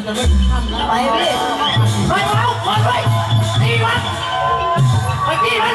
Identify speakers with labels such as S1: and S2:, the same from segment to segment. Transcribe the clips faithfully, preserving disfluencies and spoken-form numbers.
S1: มันจะไม่ทำแล้ว
S2: ไปพี่ไปเอาคนไปตีมันไปตีมัน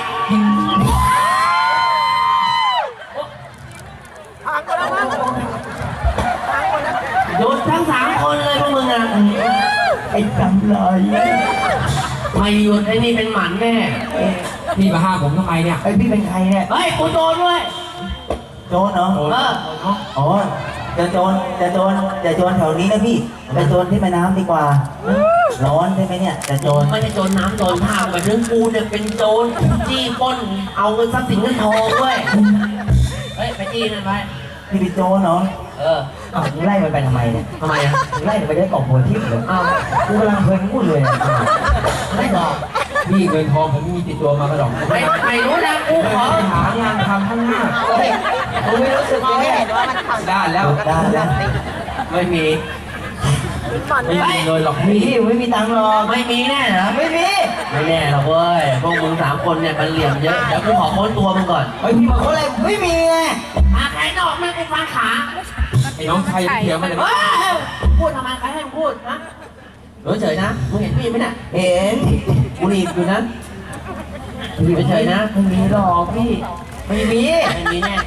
S2: โดนทั้งสามคนเลยพวกมึงอ่ะไอ้จำเลยไม่หยุดไอ้นี่เป็นหมันแน่
S3: พี่มาห้ามผมทำไมเนี่ย
S2: ไอ้พี่เป็นใครเนี่ยเฮ้ยกูโดนด้วยโจรเหรอเอออ๋อจะโจรจะโจรจะโจรแถวนี้นะพี่จะโจรที่แม่น้ำดีกว่าร้อนใช่ไหมเนี่ยจะโจรไม่ใช่โจรน้ำโจรท่าแบบเรื่องกูเนี่ยเป็นโจรจี้ปล้นเอาเงินทรัพย์สินเงินทองด้วยเฮ้ยไปจี้นั่นไปพี่เป็นโจรเนาะเอออ้าวมึงไล่มันไปทำไมเนี่ยทำไมอ่ะมึงไล่มันไปได้กล่องโพธิเลยอ้าวกูกำลังเพลินพูดเลยไม่บอก
S3: พี่เงินทองผมไม่มีติดตัวมาก็หรอก
S2: ไม่ไม่รู้นะกูขอ
S3: หางานทำข้างหน้า
S2: กูไม่รู้สึกเลยเห็นว่ามันทำ
S3: ได้แล้ว
S2: ได้แล้วไม่มี
S3: ไม่มีเลยหรอกพี่
S2: ไม่มีตังค์หรอกไม่มีแน่เหรอไม่มีไม่แน่หรอกเว้ยพวกมึงสามคนเนี่ยมันเหลี่ยมเยอะเดี๋ยวกูขอค้นตัวมึงก่อนไอ้พี่มาค้นอะไรไม่มีไงมาใครนอกไม่กูฟังขา
S3: ไอ้น้องชายเถียงมันเลย
S2: พูดทำไมใครให้มึงพูดนะรู้เฉยนะมึงเห็นพี่ไหมเนี่ยเห็นกูรีบอยู่นะพี่เฉยนะไม่มีหรอกพี่ไม่มีไม่มีแน่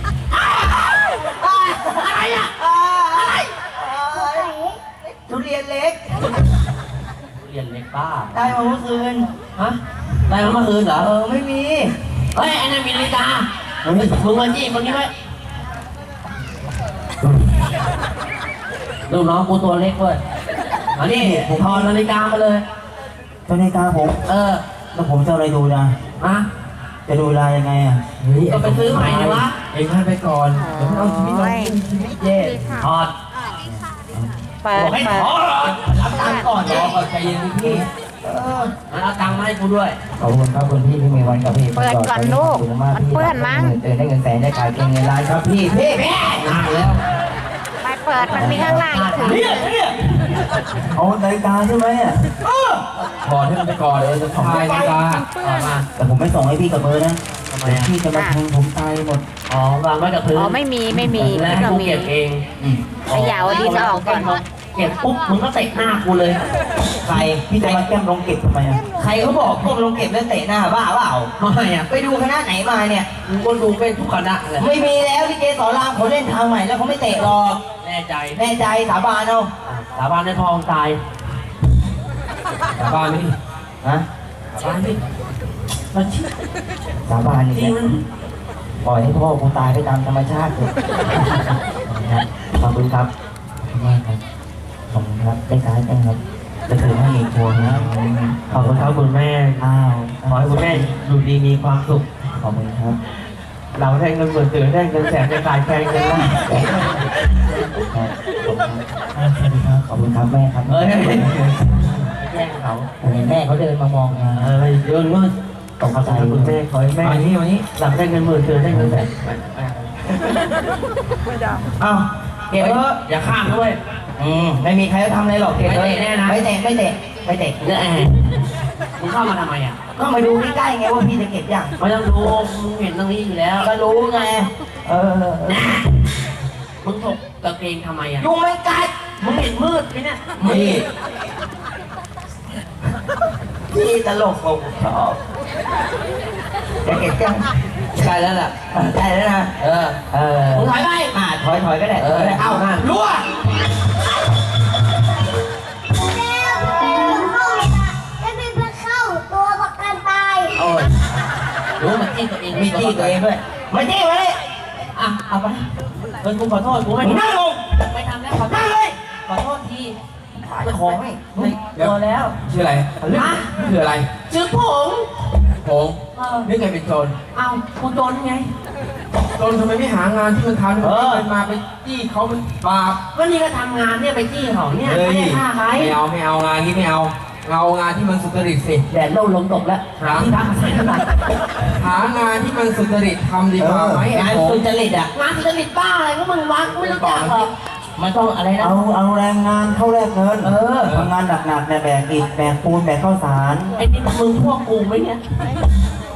S2: อะไรอะอะไรทุเรียนเล็กทุเรียนเล็กป้าได้มาเมื่อคืนฮะได้มาเมื่อคืนเหรอเออไม่มีเฮ้ยไอ้นั่นมีนาฬิกามึงมาจี้คนนี้ไว้ลูกน้องกูตัวเล็กเว้ยอันนี้ผมถอดนาฬิกามาเลยนาฬิกาผมเออแล้วผมจะอะไรดูนะอะจะดูเวลายังไงอ่ะก็ไปซื้อใหม่เลยวะเองให้ไปก่อนเดี๋ยวเอาชีวิตเราชีวิตแย่ถอดบอกให้ถอดรับตังค์ก่อนรอใจเย็นพี่เออเอาตังค์มาให้กูด้วยขอบคุณครับคุณพี่ที่มีวันกับพี่
S4: เปิดก่อนลูกมันเปื้อนมั้ง
S2: เดินได้เงินแสนได้ขายเก่งเงินล้านครับพี่พี่นานแล้ว
S4: ไปเปิดมันมีข้างล่างถึง
S2: เอานาฬิกาใช่ไหมอ่ะ
S3: ถอดให้มันไปก่อนเดี๋ยวจะส่งให้นาฬิกา
S2: แต่ผมไม่ส่งให้พี่กับเบอร์นะทำไมพี่จะมาแทงผมตายหมดอ๋อวางไว้กับพื้น
S4: อ๋อไม่มีไม่มี
S2: แล้วให้กูเก็บเอง
S4: ขยาวดีจะออกก่อน
S2: เก็บปุ๊บมึงก็เตะหน้ากูเลยใครพี่จะมาแก้มลงเก็บทำไมอ่ะใครเขาบอกพวกลงเก็บแล้วเตะหน้าบ้าเปล่าทำไมอ่ะไปดูคณะไหนมาเนี่ยมึงก็ดูเป็นทุกคณะเลยไม่มีแล้วที่เจสอนรามเขาเล่นทางใหม่แล้วเขาไม่เตะหรอกแน่ใจแน่ใจสาบานเอาสาบานในทองตาย
S3: สาบานนี่
S2: ฮะสาบานนี่มันสาบานนี่ปล่อยให้พ่อกูตายไปตามธรรมชาติเลยขอบคุณครับขอบคุณครับขอบคุณครับได้ซ้ายได้ครับจะถือให้อีกพวงนะขอบคุณครับคุณแม่อ้าวขอให้คุณแม่อยู่ดีมีความสุขขอบคุณครับเราได้เงินหมื่นตื่นได้เงินแสนจะกลายแพงเงินล้านขอบคุณครับแม่ครับเอ้ยแย่งเขาเห็นแม่เขาเดินมามองมาเออเดินว่าตกใจคุณแม่ขอให้แม่วันนี้วันนี้หลังได้เงินหมื่นตื่นได้เงินแสนเอ้าเก็บเถอะอย่าข้ามด้วยอืมไม่มีใครจะทำอะไรหรอกเก็บเลยแน่นะไม่เตะไม่เตะไม่เตะเยอะแอะมึงเข้ามาทำไมอ่ะก็มาดูใกล้ๆไงว่าพี่จะเก็บยังไม่ต้องดูมึงเห็นตรงนี้อยู่แล้วก็รู้ไงเออมึงถกกางเกงทำไมอ่ะยุงไม่กัดมึงเห็นมืดไหมเนี่ยมืดพี่ตลกผมชอบจะเก็บยังใช่แล้วล่ะใช่แล้วนะเออเออมึงถอยไปอ่าถอยถอยก็ได้เออเอาหน้ารั่วโอ้ยรู้มันจี้ตัวเองมีจี้ตัวเองด้วยไม่จี้ไว้อ่ะเอาไปเออกูขอโทษกูไม่นั่งลงไม่ทำแล้วขอโทษเลยขอโทษทีจะขอให้ตัวแล้ว
S3: ชื่ออะไรชื่ออะไร
S2: ชื่อผง
S3: ผงนี่ไงเป็นโจร
S2: เอากูโจรไง
S3: โจรทำไมไม่หางานที่มันทำเออมาไปจี้เขามันบาป
S2: ก็นี่ก็ทำงานเนี่ยไปจี้เขาเนี่ยไม่ได้ฆ่าใคร
S3: ไม่เอาไม่เอางานนี้ไม่เอาเอางานที่มันสุจริตสิ
S2: แดดเล่าลมตกแล้วหาที่ทำอะไรขนาด
S3: หางานที่มันสุจริตทำดีกว่าไหม
S2: งานสุจริตอ่ะงานสุจริตบ้าอะไรก็มึงวัดไม่รู้จักหรอกมันต้องอะไรนะเอาเอาแรงงานเข้าแลกเงินเออทำงานหนักๆเนี่ยแบกอิฐแบกปูนแบกข้าวสารไอ้นี่มึงพวกกูไหมเนี่ย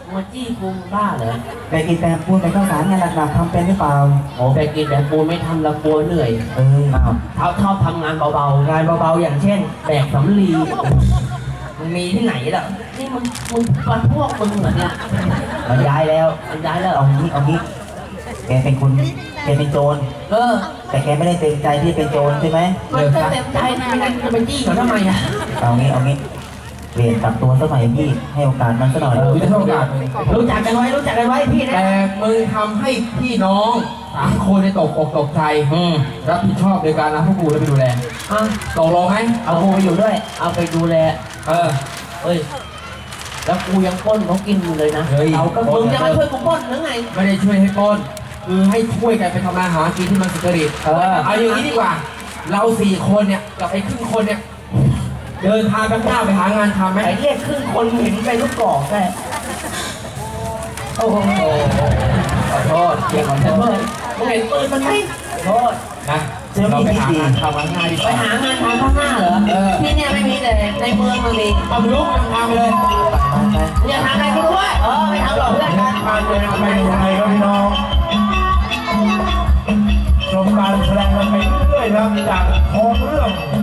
S1: มาจี้กูบ้าเหรอ
S2: ไปกินแปมปูนไปข้าวสารงานหนักๆทำเป็นหรือเปล่า
S1: โอ้ไปกินแบบกูไม่ทำละกลัวเหนื่อย
S2: เอออ้าว
S1: เขาชอบทำงานเบาๆ งานเบาๆอย่างเช่นแบกสำลีมันมีที่ไหนล่ะนี่มึงมึงปันพวกมึงเหรอเนี่ยมันย้ายแล้วมันย้ายแล้ว
S2: เอางี้เอางี้แกเป็นคนแกเป็นโจร
S1: เออ
S2: แต่แกไม่ได้เต็มใจที่เป็นโจรใช่ไหม
S1: มันก็เต็มใจนะไม่งั้นจะไปจี้เขาทำไมอ่ะ
S2: เอางี้เอางี้เปลี่ยนกลับตัวสักหน่อยพี่ให้โอกาสมันสักหน่อย
S3: กูจะให้โอกาสมึง
S1: รู้จักกันไว้รู้จักกันไว้พี่นะ
S3: แต่มึงทำให้พี่น้องสามคนในตกอกตกใจ
S1: อืม
S3: รับผิดชอบในการรับพวกกูแล้วไปดูแล
S1: อ่ะ
S3: ตกลงไหม
S1: เอากูไปอยู่ด้วย เอาไปดูแล
S3: เออ
S1: เอ้ยแล้วกูยังปล้นเขากินอยู่เลยนะ
S3: เฮ้ย
S1: เราก็มึงจะมาช่วยกูปล้นหรือไง
S3: ไม่ได้ช่วยให้ปล้นคือให้ช่วยกันไปทำมาหากินที่มันสุจริต
S1: เออ
S3: เอาอย่างนี้ดีกว่า เราสี่คนเนี่ยกับไอ้ครึ่งคนเนี่ยเดินทางไปข้างหน้าไปหางานทำไหม
S1: ไอ้เรียกครึ่งคนเห็นไปลูกกอกได้โอ้โห
S3: ขอโทษเกี่ยวกับ
S1: แต่
S3: โท
S1: เพื่อ
S3: ษ
S1: นมึงเห็นปืนมันไหมโทษ
S3: นะเราไปหางานทำข้างหน้าดีก
S1: ไป
S3: ว่า
S1: หางานทำข้างหน้าเหรอ
S3: เออ
S1: ที่เนี่ยไม่มีแต่ในเมืองมันมี
S3: เอาลุกไปทำเลย
S1: อย่าทำอะไรกูด้วยเออไม่ทำหรอกเพื่อนกัน
S3: ทำเลยไปยังไงครับพี่น้องชมการแสดงกันไปเรื่อยๆนะครับจาก